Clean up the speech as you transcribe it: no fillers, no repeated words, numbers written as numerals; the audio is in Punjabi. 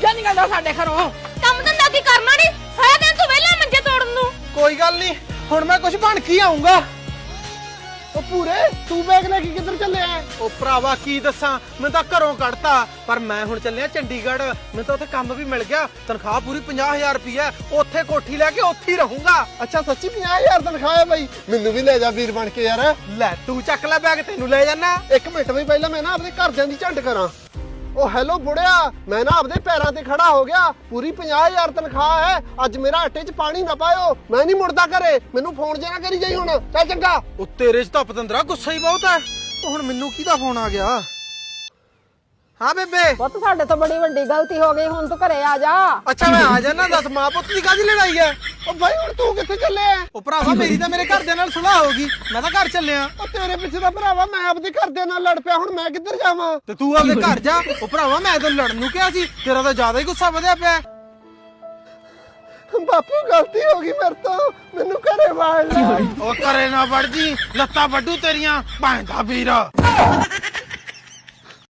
ਪਿੱਛੇ ਨਹੀਂ ਕਰਦਾ ਸਾਡੇ ਘਰੋਂ। ਕੰਮ ਧੰਦਾ ਕੀ ਕਰਨਾ ਨਹੀਂ, ਸਾਰਾ ਦਿਨ ਤੂੰ ਵਿਹਲਾ ਮੰਜੇ ਤੋੜਨ ਨੂੰ। ਕੋਈ ਗੱਲ ਨਹੀਂ, ਹੁਣ ਮੈਂ ਕੁਝ ਬਣ ਕੇ ਆਉਂਗਾ। ਉਹ ਪੂਰੇ ਤੂੰ ਬੈਗ ਲੈ ਕੇ ਕਿੱਧਰ ਚੱਲਿਆ? ਉਹ ਭਰਾਵਾ ਕੀ ਦੱਸਾਂ, ਮੈਂ ਤਾਂ ਘਰੋਂ ਕੱਢਤਾ, ਪਰ ਮੈਂ ਹੁਣ ਚੱਲਿਆ ਚੰਡੀਗੜ੍ਹ। ਮੈਨੂੰ ਤਾਂ ਉੱਥੇ ਕੰਮ ਵੀ ਮਿਲ ਗਿਆ, ਤਨਖਾਹ ਪੂਰੀ 50,000 ਰੁਪਈਆ। ਉੱਥੇ ਕੋਠੀ ਲੈ ਕੇ ਉੱਥੇ ਹੀ ਰਹੂੰਗਾ। ਅੱਛਾ ਸੱਚੀ 50,000 ਤਨਖਾਹ ਹੈ ਬਾਈ? ਮੈਨੂੰ ਵੀ ਲੈ ਜਾ ਵੀਰ ਬਣ ਕੇ ਯਾਰ। ਲੈ ਤੂੰ ਚੱਕ ਲੈ ਬੈਗ, ਤੈਨੂੰ ਲੈ ਜਾਣਾ। ਇੱਕ ਮਿੰਟ ਵੀ ਪਹਿਲਾਂ ਮੈਂ ਨਾ ਆਪਣੇ ਘਰਦਿਆਂ ਦੀ ਝੰਡ ਕਰਾਂ। ਉਹ ਹੈਲੋ ਬੁੜਿਆ, ਮੈਂ ਨਾ ਆਪਦੇ ਪੈਰਾਂ ਤੇ ਖੜਾ ਹੋ ਗਿਆ। ਪੂਰੀ 50,000 ਤਨਖਾਹ ਹੈ। ਅੱਜ ਮੇਰਾ ਆਟੇ 'ਚ ਪਾਣੀ ਨਾ ਪਾਇਓ, ਮੈਂ ਨਹੀਂ ਮੁੜਦਾ ਘਰੇ। ਮੈਨੂੰ ਫੋਨ ਜੇ ਨਾ ਕਰੀ ਜਾਈ ਹੁਣ। ਚੱਲ ਚੰਗਾ। ਉਹ ਤੇਰੇ 'ਚ ਤਾਂ ਪਤੰਦਰਾ ਗੁੱਸਾ ਹੀ ਬਹੁਤ ਹੈ। ਉਹ ਹੁਣ ਮੈਨੂੰ ਕਿਹਦਾ ਫੋਨ ਆ ਗਿਆ? ਹਾਂ ਬੇਬੇ। ਪੁੱਤ ਸਾਡੇ ਤੋਂ ਬੜੀ ਵੱਡੀ ਗਲਤੀ ਹੋ ਗਈ, ਹੁਣ ਤੂੰ ਘਰੇ ਆ ਜਾ। ਅੱਛਾ ਮੈਂ ਆ ਜਾਣਾ, ਦੱਸ ਮਾਂ ਪੁੱਤ ਦੀ ਕਾਹਦੀ ਲੜਾਈ ਹੈ? ਉਹ ਬਾਈ ਹੁਣ ਤੂੰ ਕਿੱਥੇ ਚੱਲਿਆ? ਉਹ ਭਰਾਵਾ ਮੇਰੀ ਤਾਂ ਮੇਰੇ ਘਰਦਿਆਂ ਨਾਲ ਸੁਲਾਹ ਹੋ ਗਈ, ਮੈਂ ਤਾਂ ਘਰ ਚੱਲਿਆ। ਉਹ ਤੇਰੇ ਪਿੱਛੇ ਤਾਂ ਭਰਾਵਾ ਮੈਂ ਆਪਦੇ ਘਰਦਿਆਂ ਨਾਲ ਲੜ ਪਿਆ, ਹੁਣ ਮੈਂ ਕਿੱਧਰ ਜਾਵਾਂ? ਤੇ ਤੂੰ ਆਪਦੇ ਘਰ ਜਾ। ਉਹ ਭਰਾਵਾ ਮੈਂ ਤਾਂ ਲੜਨ ਨੂੰ ਕਿਹਾ ਸੀ, ਤੇਰਾ ਤਾਂ ਜ਼ਿਆਦਾ ਹੀ ਗੁੱਸਾ ਵਧਿਆ ਪਿਆ। ਬਾਪੂ ਗਲਤੀ ਹੋ ਗਈ ਮੇਰੇ ਤੋਂ, ਮੈਨੂੰ ਘਰੇ ਵਾੜ ਲੈ। ਉਹ ਘਰੇ ਨਾ ਵੜ ਜੀ, ਲੱਤਾਂ ਵੱਢੂ ਤੇਰੀਆਂ ਭੈਣ ਦਾ ਵੀਰ।